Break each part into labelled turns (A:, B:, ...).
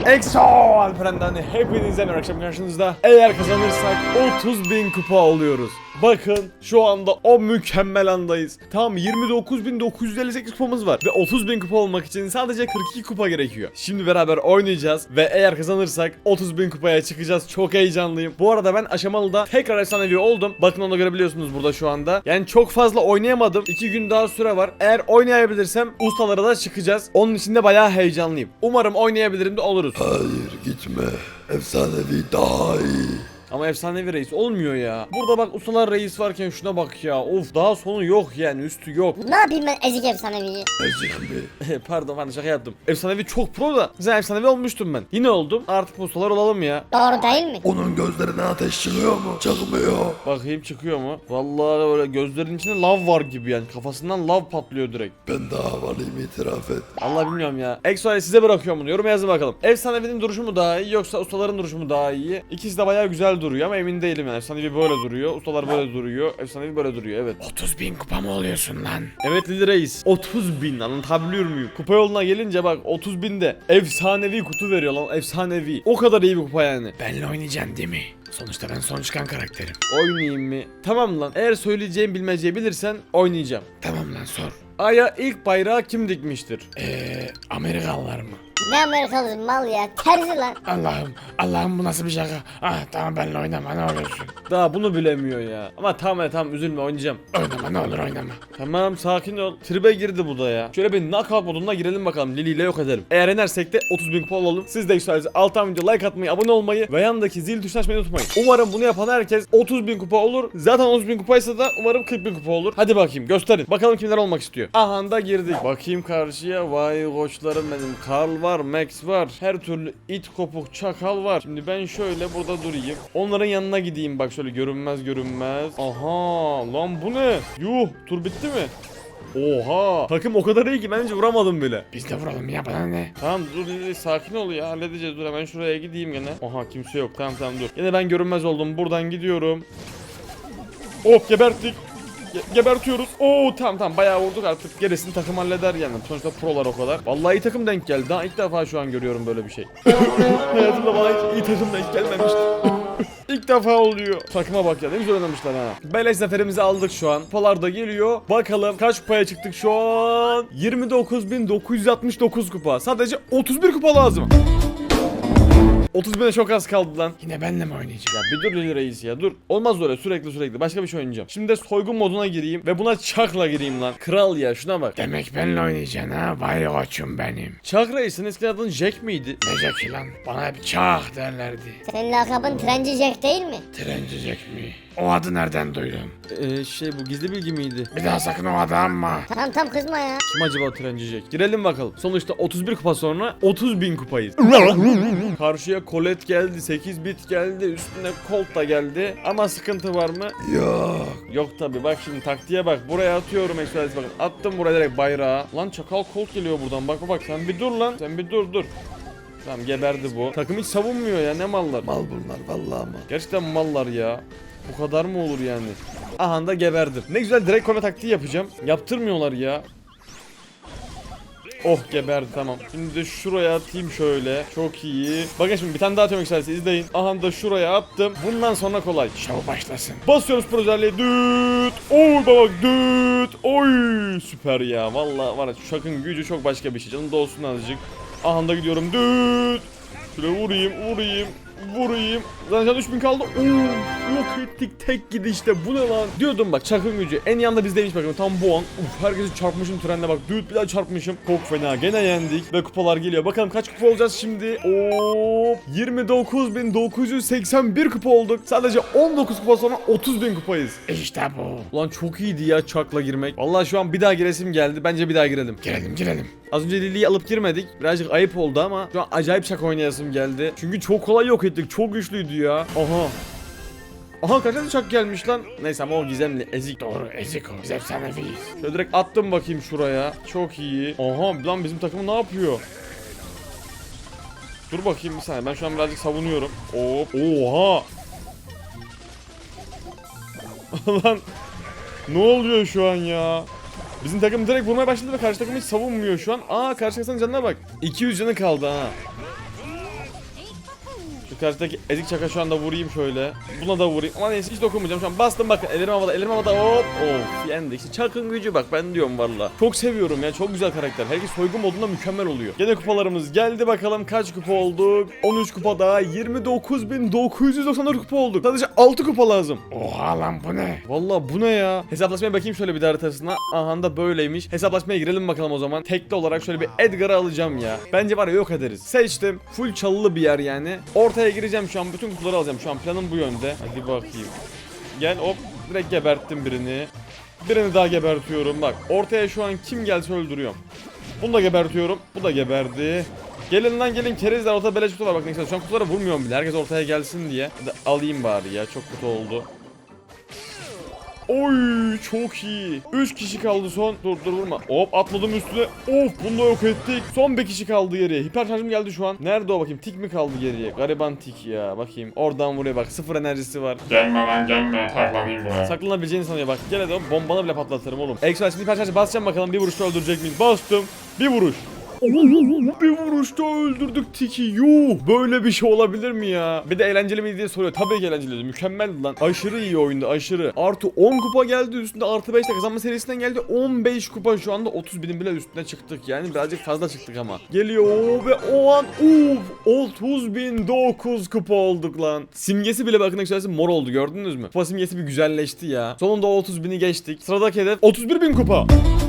A: EXO Alperen'den hepinize merhaba, akşam karşınızda. Eğer kazanırsak 30.000 kupa alıyoruz. Bakın şu anda o mükemmel andayız. Tam 29.958 kupamız var ve 30.000 kupa olmak için sadece 42 kupa gerekiyor. Şimdi beraber oynayacağız ve eğer kazanırsak 30.000 kupaya çıkacağız. Çok heyecanlıyım. Bu arada ben aşamalıda tekrar efsanevi oldum. Bakın onu da görebiliyorsunuz burada şu anda. Yani çok fazla oynayamadım. 2 gün daha süre var. Eğer oynayabilirsem ustalara da çıkacağız. Onun için de bayağı heyecanlıyım. Umarım oynayabilirim de oluruz.
B: Hayır gitme. Efsanevi daha iyi.
A: Ama efsanevi reis olmuyor ya. Burada bak ustalar reis varken şuna bak ya. Of, daha sonu yok yani, üstü yok.
C: Ne yapayım ben ezik efsaneviyi?
B: Ezik mi?
A: Pardon şaka yaptım. Efsanevi çok pro da. Güzel efsanevi olmuştum ben. Yine oldum. Artık bu ustalar olalım ya.
C: Doğru değil mi?
B: Onun gözlerine ateş çıkıyor mu? Çıkmıyor.
A: Bakayım çıkıyor mu? Vallahi böyle gözlerinin içinde lav var gibi yani. Kafasından lav patlıyor direkt.
B: Ben daha havalıyım, itiraf et.
A: Allah bilmiyorum ya. EXO'ya size bırakıyorum bunu. Yoruma yazın bakalım. Efsanevinin duruşu mu daha iyi yoksa ustaların duruşu mu daha iyi? İkisi de bayağı güzel duruyor ama emin değilim yani. Efsanevi böyle duruyor. Ustalar böyle duruyor. Efsanevi böyle duruyor, evet.
D: 30.000 kupa mı oluyorsun lan?
A: Evet Lili Reis. 30.000, anlatabiliyor muyum? Kupa yoluna gelince bak 30.000'de efsanevi kutu veriyor lan, efsanevi. O kadar iyi bir kupa yani.
D: Benle oynayacaksın değil mi? Sonuçta ben son çıkan karakterim.
A: Oynayayım mı? Tamam lan. Eğer söyleyeceğim bilmeceyi bilirsen oynayacağım.
D: Tamam lan sor.
A: Ay'a ilk bayrağı kim dikmiştir?
D: Amerikalılar mı?
C: Ne Amerikalısı mal ya, terzi lan.
D: Allah'ım bu nasıl bir şaka? Tamam benle oynama ne olursun.
A: Daha bunu bilemiyor ya. Ama tamam üzülme, oynayacağım.
D: Oynama ne olur oynama.
A: Tamam sakin ol. Tribe girdi bu da ya. Şöyle bir knockout moduna girelim bakalım. Lili ile yok edelim. Eğer yenersek de 30.000 kupa olalım. Siz de yükseliriz. Alttan video like atmayı, abone olmayı ve yandaki zil tuşuna açmayı unutmayın. Umarım bunu yapan herkes 30.000 kupa olur. Zaten 30.000 kupaysa da umarım 40.000 kupa olur. Hadi bakayım gösterin. Bakalım kimler olmak istiyor. Aha da girdik. Bakayım karşıya. Vay koçlarım benim. Karl var, Max var. Her türlü it kopuk çakal var. Şimdi ben şöyle burada durayım. Onların yanına gideyim bak, şöyle görünmez. Aha lan bu ne? Yuh, tur bitti mi? Oha, takım o kadar iyi ki bence vuramadım bile.
D: Biz de vuralım ya bana ne?
A: Tamam dur Lili, sakin ol ya, halledeceğiz. Dur hemen şuraya gideyim gene. Oha, kimse yok. Tamam dur. Yine ben görünmez oldum. Buradan gidiyorum. Hop, geberttik. Gebertiyoruz. Oo tamam bayağı vurduk, artık gerisini takım halleder yani. Sonuçta prolar o kadar. Vallahi iyi takım denk geldi. Daha ilk defa şu an görüyorum böyle bir şey. Hayatımda bana hiç iyi takım denk gelmemişti. İlk defa oluyor. Takıma bak ya, ne güzel oynamışlar ha. Beleş zaferimizi aldık şu an. Kupalar da geliyor. Bakalım kaç kupaya çıktık şu an? 29.969 kupa. Sadece 31 kupa lazım. 30.000'e çok az kaldı lan.
D: Yine benle mi oynayacaksın?
A: Ya bir dur Lili Reis ya, dur. Olmaz öyle sürekli. Başka bir şey oynayacağım. Şimdi de soygun moduna gireyim ve buna çakla gireyim lan. Kral ya, şuna bak.
D: Demek benle oynayacaksın ha? Vay koçum benim.
A: Çak Reis'in eskiden adın Jack miydi?
D: Ne Jack'i lan? Bana hep çak derlerdi.
C: Senin lakabın Trenci Jack değil mi?
D: Trenci Jack mi? O adı nereden duydun?
A: Bu gizli bilgi miydi?
D: Bir daha sakın o adı anma.
C: Tamam kızma ya.
A: Kim acaba Trenci Jack? Girelim bakalım. Sonuçta 31 kupa sonra 30.000 kupayız. Karşıya Colette geldi, 8 bit geldi, üstüne Colt da geldi. Ama sıkıntı var mı?
B: Yok.
A: Yok tabi, bak şimdi taktiğe bak. Buraya atıyorum Express, bakın. Attım buraya direkt bayrağı. Lan çakal Colt geliyor buradan, bak sen bir dur lan. Sen bir dur. Tamam, geberdi bu. Takım hiç savunmuyor ya, ne mallar.
B: Mal bunlar vallahi mal.
A: Gerçekten mallar ya. Bu kadar mı olur yani? Aha da geberdim. Ne güzel direkt kone taktiği yapacağım. Yaptırmıyorlar ya. Oh, geberdi, tamam. Şimdi de şuraya atayım şöyle. Çok iyi. Bakın şimdi bir tane daha atıyorum yükselsi, izleyin. Aha da şuraya attım. Bundan sonra kolay.
D: Şov başlasın.
A: Basıyoruz pro özelliği. Düt. Oy bak, düt. Oy süper ya. Vallahi var ya, şu şakın gücü çok başka bir şey. Canım da olsun azıcık. Aha da gidiyorum. Düt. Şöyle vurayım. Zaten 3000 kaldı. Yok ettik tek gidişte. Bu ne lan? Diyordum bak, çakın gücü. En yanında bizdeymiş bakın. Tam bu an. Herkesi çarpmışım trenle bak. Düt, bir daha çarpmışım. Çok fena. Gene yendik. Ve kupalar geliyor. Bakalım kaç kupa olacağız şimdi. 29.981 kupa olduk. Sadece 19 kupa sonra 30.000 kupayız.
D: İşte bu.
A: Ulan çok iyiydi ya çakla girmek. Vallahi şu an bir daha giresim geldi. Bence bir daha girelim.
D: Girelim.
A: Az önce Lili'yi alıp girmedik. Birazcık ayıp oldu ama şu an acayip şaka oynayasım geldi. Çünkü çok kolay yok ettik. Çok güçlüydü ya. Aha kaç tane çak gelmiş lan. Neyse ama o gizemli, ezik.
D: Doğru ezik o. Biz efsaneviyiz.
A: Şöyle direkt attım bakayım şuraya. Çok iyi. Aha lan bizim takım ne yapıyor? Dur bakayım bir saniye. Ben şu an birazcık savunuyorum. Hop. Oha. Lan ne oluyor şu an ya? Bizim takım direkt vurmaya başladı ve karşı takım hiç savunmuyor şu an. Karşı takımın canına bak. 200 canı kaldı ha. Şu karşıdaki ezik çaka şu anda vurayım şöyle. Buna da vurayım. Ama neyse hiç dokunmayacağım. Şu an bastım bakın. Ellerim havada. Ellerim havada. Hop. Of. Yendi. İşte çakın gücü bak. Ben diyorum valla. Çok seviyorum ya. Çok güzel karakter. Herkes soygun modunda mükemmel oluyor. Gene kupalarımız geldi bakalım. Kaç kupa olduk? 13 kupa daha. 29.994 kupa olduk. Sadece 6 kupa lazım.
D: Oha lan bu ne?
A: Valla bu ne ya? Hesaplaşmaya bakayım şöyle bir de haritasına. Aha da böyleymiş. Hesaplaşmaya girelim bakalım o zaman. Tekli olarak şöyle bir Edgar'ı alacağım ya. Bence var ya yok ederiz. Seçtim. Full çalılı bir yer yani. Ortaya gireceğim şu an. Bütün kutuları alacağım. Şu an planım bu yönde. Hadi bakayım. Gel hop. Direkt geberttim birini. Birini daha gebertiyorum. Bak ortaya şu an kim gelse öldürüyorum. Bunu da gebertiyorum. Bu da geberdi. Gelin lan gelin kerizler, ortada beleş kutu var bak ne güzel. Şu an kutulara vurmuyorum bile. Herkes ortaya gelsin diye. Hadi alayım bari ya. Çok kötü oldu. Oy çok iyi. 3 kişi kaldı son. Dur vurma. Hop atladım üstüne. Of bunu da yok ettik. Son bir kişi kaldı geriye. Hiper şarjım geldi şu an. Nerede o bakayım? Tik mi kaldı geriye? Gariban tik ya. Bakayım. Oradan vuruyor bak. 0 enerjisi var.
D: Gelme lan gelme. Saklanayım buraya.
A: Saklanabileceğini sanıyor bak. Gel hadi bombana bile patlatırım oğlum. Express hiper şarjı basacağım bakalım. Bir vuruşta öldürecek miyiz? Bastım. Bir vuruş. Bir vuruşta öldürdük Tiki. Yuh, böyle bir şey olabilir mi ya? Bir de eğlenceli mi diye soruyor. Tabii ki eğlenceliydi. Mükemmeldi lan. Aşırı iyi oyundu aşırı. Artı 10 kupa geldi üstünde. Artı 5 de kazanma serisinden geldi. 15 kupa şu anda 30.000'in bile üstüne çıktık. Yani birazcık fazla çıktık ama. Geliyor ve o an 30.009 kupa olduk lan. Simgesi bile bakın arkadaşlar mor oldu, gördünüz mü? Kupa simgesi bir güzelleşti ya. Sonunda o 30.000'i geçtik. Sıradaki hedef 31.000 kupa.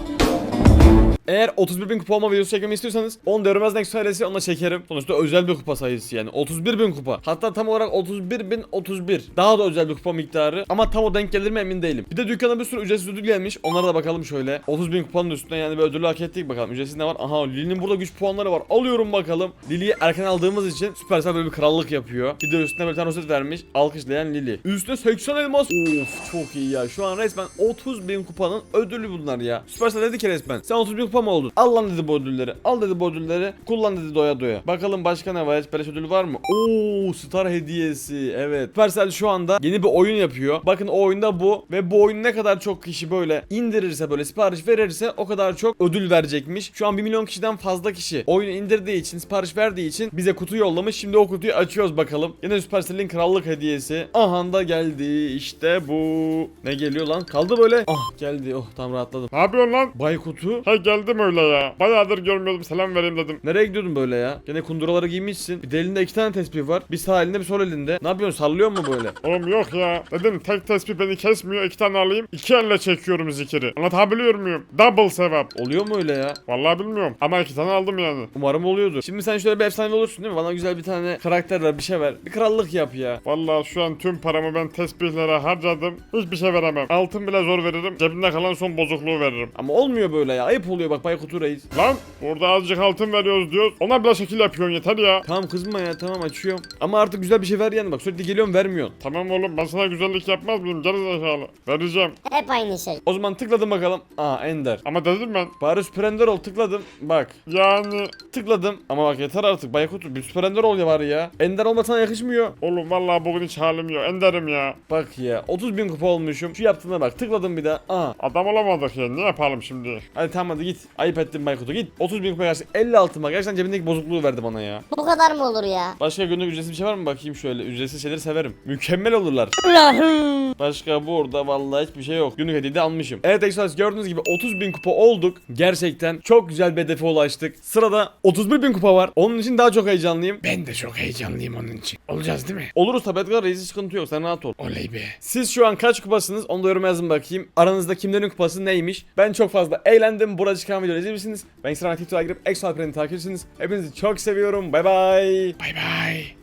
A: Eğer 31.000 kupa olma videosu çekmemi istiyorsanız onu görmez next söylesi onunla çekerim. Sonuçta özel bir kupa sayısı yani. 31.000 kupa. Hatta tam olarak 31.031. Daha da özel bir kupa miktarı. Ama tam o denk gelir mi emin değilim. Bir de dükkana bir sürü ücretsiz ödül gelmiş. Onlara da bakalım şöyle. 30.000 kupanın üstüne yani bir ödülü hak ettik bakalım. Ücretsiz ne var? Aha Lili'nin burada güç puanları var. Alıyorum bakalım. Lili'yi erken aldığımız için Supercell böyle bir krallık yapıyor. Bir de üstüne bir tane roset vermiş. Alkışlayan Lili. Üstüne 80 elmas. Of çok iyi ya. Şu an resmen 30.000 kupanın ödülü bunlar ya. Supercell dedi ki resmen. Sen 30.000 kupa mı oldun? Al lan dedi bu ödülleri. Al dedi bu ödülleri. Kullan dedi doya doya. Bakalım başka ne var? Hiç beleş ödülü var mı? Oo star hediyesi. Evet. Supercell şu anda yeni bir oyun yapıyor. Bakın o oyunda bu. Ve bu oyunu ne kadar çok kişi böyle indirirse, böyle sipariş verirse o kadar çok ödül verecekmiş. Şu an 1 milyon kişiden fazla kişi oyunu indirdiği için, sipariş verdiği için bize kutu yollamış. Şimdi o kutuyu açıyoruz bakalım. Yine Supercell'in krallık hediyesi. Aha da geldi. İşte bu. Ne geliyor lan? Kaldı böyle. Ah geldi. Oh tam rahatladım.
D: Ne yapıyorsun lan?
A: Bay kutu.
D: Hey geldim öyle ya. Bayağıdır görmüyordum, selam vereyim dedim.
A: Nereye gidiyordun böyle ya? Gene kunduraları giymişsin. Bir de elinde 2 tane tespih var. Bir sağ elinde bir sol elinde. Ne yapıyorsun? Sallıyor mu böyle?
D: Oğlum yok ya. Dedim tek tespih beni kesmiyor. 2 tane alayım. 2 elle çekiyorum zikiri. Anlatabiliyor muyum? Double sevap.
A: Oluyor mu öyle ya?
D: Vallahi bilmiyorum. Ama 2 tane aldım yani.
A: Umarım oluyordur. Şimdi sen şöyle bir efsane olursun değil mi? Bana güzel bir tane karakter ver, bir şey ver. Bir krallık yap ya.
D: Vallahi şu an tüm paramı ben tespihlere harcadım. Hiçbir şey veremem. Altın bile zor veririm. Cebimde kalan son bozukluğu veririm.
A: Ama olmuyor böyle ya. Ayıp oluyor bak Baykutu Reis.
D: Lan burada azıcık altın veriyoruz diyoruz. Ona bile şekil yapıyorsun yeter ya.
A: Tamam kızma ya, tamam açıyorum. Ama artık güzel bir şey ver yani, bak sürekli geliyorum vermiyorsun.
D: Tamam oğlum ben sana güzellik yapmaz mıyım? Gerizekalı. Vereceğim.
C: Hep aynı şey.
A: O zaman tıkladım bakalım. Aa Ender.
D: Ama dedim ben.
A: Bari Süper Ender ol, tıkladım. Bak
D: Yani
A: tıkladım. Ama bak yeter artık Baykutu. Bir Süper Ender ol ya bari ya. Ender olmak sana yakışmıyor.
D: oğlum vallahi bugün hiç halim yok. Enderim ya.
A: Bak ya 30.000 kupa olmuşum. Şu yaptığına bak, tıkladım bir daha. Aa.
D: Adam olamadık ya. Ne yapalım şimdi?
A: Hadi tamam hadi git. Ayıp ettin Baykutu, git. 30.000 kupa gerçek. 56 mı? Gerçekten cebindeki bozukluğu verdi bana ya.
C: Bu kadar mı olur ya?
A: Başka günlük ücretsiz bir şey var mı? Bakayım şöyle. Ücretsiz şeyleri severim. Mükemmel olurlar.
C: Allah'ım.
A: Başka burada vallahi hiçbir şey yok. Günlük hediye de almışım. Evet Express gördüğünüz gibi 30.000 kupa olduk. Gerçekten çok güzel bir hedefe ulaştık. Sırada 31.000 kupa var. Onun için daha çok heyecanlıyım.
D: Ben de çok heyecanlıyım onun için. Olacağız değil mi?
A: Oluruz tabi Edgar Reis'in sıkıntı yok. Sen rahat ol.
D: Oley be.
A: Siz şu an kaç kupasınız? Onu da yoruma yazın bakayım. Aranızda kimlerin kupası neymiş? Ben çok fazla eğlendim. Burada çıkan videoları izlemişsiniz. Ben Instagram, TikTok'a girip Exo Alperen'i takip edersiniz. Hepinizi çok seviyorum. Bay bay.
D: Bay bay.